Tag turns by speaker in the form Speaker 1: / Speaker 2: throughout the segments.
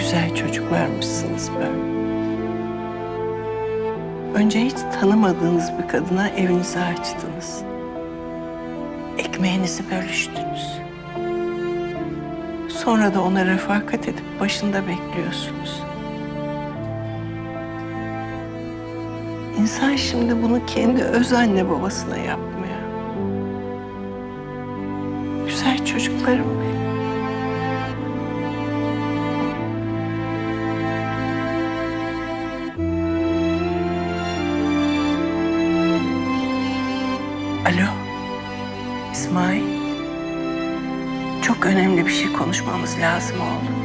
Speaker 1: güzel çocuklarmışsınız böyle. Önce hiç tanımadığınız bir kadına evinizi açtınız. Ekmeğinizi bölüştünüz. Sonra da ona refakat edip başında bekliyorsunuz. İnsan şimdi bunu kendi öz anne babasına yapmıyor. Güzel çocuklarım benim. Alo, İsmail. Çok önemli bir şey konuşmamız lazım oğlum.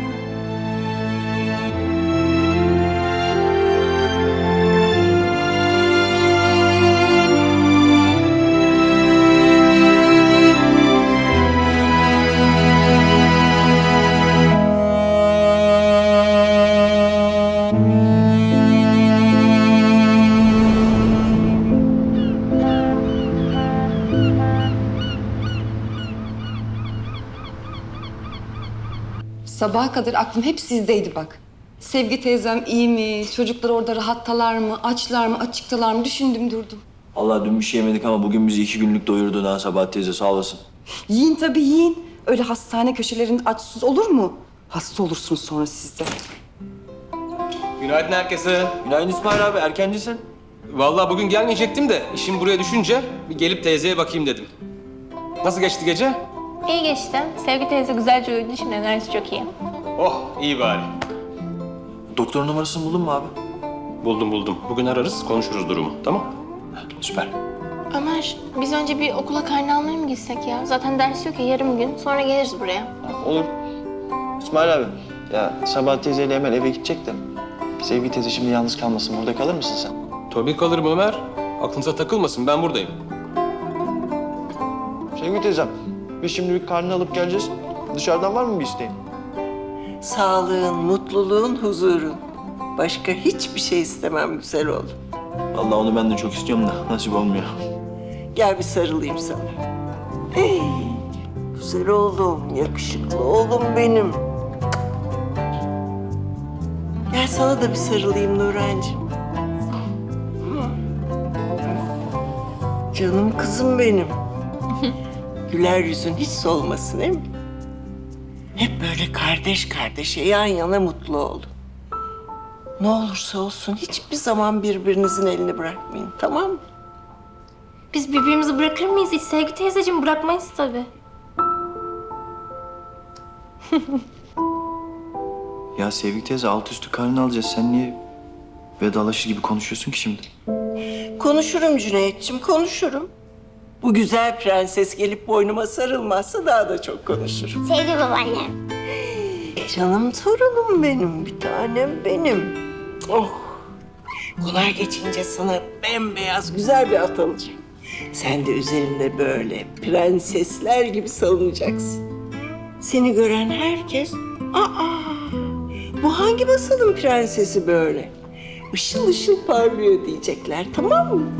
Speaker 2: Sabaha kadar aklım hep sizdeydi bak. Sevgi teyzem iyi mi? Çocuklar orada rahattalar mı? Açlar mı? Açıktalar mı? Düşündüm durdum.
Speaker 3: Allah dün bir şey yemedik ama bugün bizi 2 günlük doyurdu ha Sabahat teyze, sağ olasın.
Speaker 2: Yiyin tabii yiyin. Öyle hastane köşelerinde açsız olur mu? Hasta olursunuz sonra siz de.
Speaker 4: Günaydın herkese.
Speaker 3: Günaydın İsmail abi, erkencisin.
Speaker 4: Vallahi bugün gelmeyecektim de işim buraya düşünce bir gelip teyzeye bakayım dedim. Nasıl geçti gece?
Speaker 5: İyi geçti. Sevgi teyze güzelce uyudu. Şimdi enerjisi çok iyi.
Speaker 4: Oh, iyi bari.
Speaker 3: Doktor numarasını buldun mu abi?
Speaker 4: Buldum. Bugün ararız, konuşuruz durumu. Tamam?
Speaker 3: Süper.
Speaker 5: Ömer, biz önce bir okula karne almaya mı gitsek ya? Zaten ders yok ya, yarım gün. Sonra geliriz buraya.
Speaker 6: Olur. İsmail abi, ya Sabahat teyzeyle hemen eve gidecektim. Sevgi teyze şimdi yalnız kalmasın. Burada kalır mısın sen?
Speaker 4: Tabii kalırım Ömer. Aklınıza takılmasın, ben buradayım.
Speaker 6: Sevgi teyzem, biz şimdi bir karnını alıp geleceğiz. Dışarıdan var mı bir isteğin?
Speaker 1: Sağlığın, mutluluğun, huzurun. Başka hiçbir şey istemem güzel oğlum.
Speaker 3: Vallahi onu ben de çok istiyorum da nasip olmuyor.
Speaker 1: Gel bir sarılayım sana. Hey, güzel oğlum, yakışıklı oğlum benim. Gel sana da bir sarılayım Nurhancığım. Canım kızım benim. Güler yüzün hiç solmasın değil mi? Hep böyle kardeş kardeşe yan yana mutlu olun. Ne olursa olsun hiçbir zaman birbirinizin elini bırakmayın, tamam mı?
Speaker 5: Biz birbirimizi bırakır mıyız hiç? Sevgi teyzeciğim bırakmayız tabii.
Speaker 3: Ya Sevgi teyze, alt üstü karnını alacağız. Sen niye vedalaşır gibi konuşuyorsun ki şimdi?
Speaker 1: Konuşurum Cüneyt'ciğim, konuşurum. Bu güzel prenses gelip boynuma sarılmazsa daha da çok konuşurum.
Speaker 5: Sevgi babaannem.
Speaker 1: Canım torunum benim, bir tanem benim. Oh! Konar geçince sana bembeyaz güzel bir at alacağım. Sen de üzerinde böyle prensesler gibi salınacaksın. Seni gören herkes, bu hangi masalın prensesi böyle? Işıl ışıl parlıyor diyecekler, tamam mı?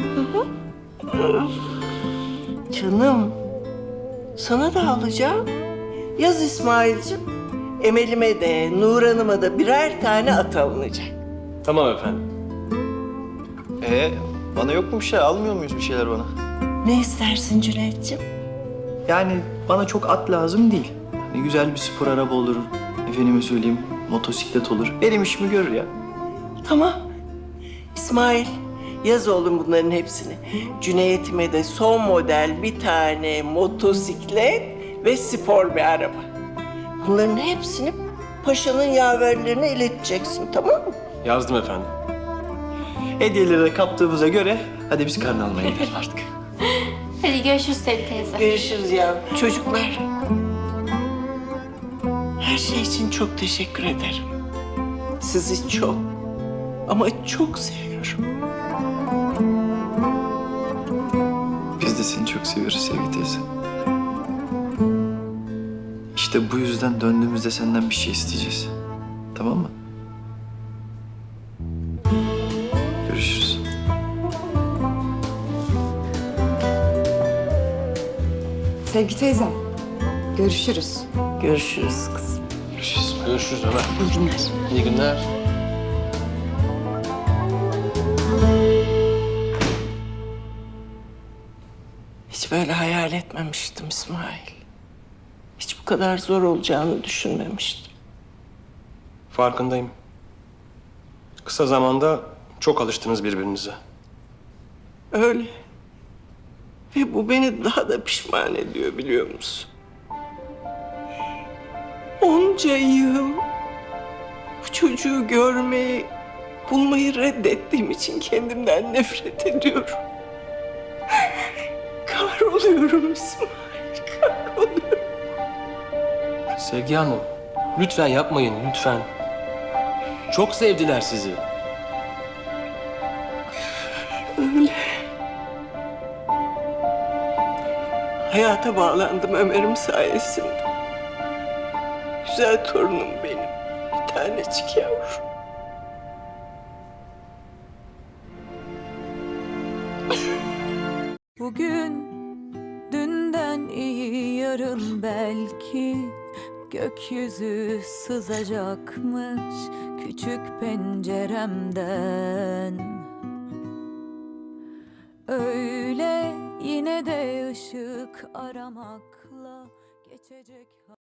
Speaker 1: Canım, sana da alacağım. Yaz İsmail'cim, Emel'ime de, Nurhan'ıma da birer tane at alınacak.
Speaker 4: Tamam efendim.
Speaker 6: Bana yok mu bir şey? Almıyor muyuz bir şeyler bana?
Speaker 1: Ne istersin Cüneyt'ciğim?
Speaker 3: Yani bana çok at lazım değil. Hani güzel bir spor araba olur. Efendime söyleyeyim, motosiklet olur. Benim işimi görür ya.
Speaker 1: Tamam. İsmail, yaz oğlum bunların hepsini. Cüneyt'ime de son model bir tane motosiklet ve spor bir araba. Bunların hepsini paşanın yaverlerine ileteceksin, tamam mı?
Speaker 4: Yazdım efendim.
Speaker 3: Hediyeleri de kaptığımıza göre hadi biz karnı almaya gidelim artık.
Speaker 5: Hadi görüşürüz Sevgi teyze.
Speaker 1: Görüşürüz ya. Çocuklar. Her şey için çok teşekkür ederim. Sizi çok ama çok seviyorum.
Speaker 3: Biz de seni çok seviyoruz Sevgi teyze. İşte bu yüzden döndüğümüzde senden bir şey isteyeceğiz. Tamam mı? Görüşürüz.
Speaker 2: Sevgi teyzem, görüşürüz.
Speaker 1: Görüşürüz kızım.
Speaker 3: Görüşürüz.
Speaker 4: Görüşürüz Ömer.
Speaker 2: İyi günler.
Speaker 4: İyi günler.
Speaker 1: Hiç böyle hayal etmemiştim İsmail. Hiç bu kadar zor olacağını düşünmemiştim.
Speaker 4: Farkındayım. Kısa zamanda çok alıştınız birbirinize.
Speaker 1: Öyle. Ve bu beni daha da pişman ediyor biliyor musun? Onca yıl bu çocuğu görmeyi, bulmayı reddettiğim için kendimden nefret ediyorum. Kahroluyorum İsmail, kahroluyorum.
Speaker 4: Sevgi Hanım, lütfen yapmayın, lütfen. Çok sevdiler sizi.
Speaker 1: Öyle. Hayata bağlandım Ömer'im sayesinde. Güzel torunum benim. Bir tanecik yavrum.
Speaker 7: Bugün dünden iyi yarın belki gökyüzü sızacakmış küçük penceremden. Öyle yine de ışık aramakla geçecek.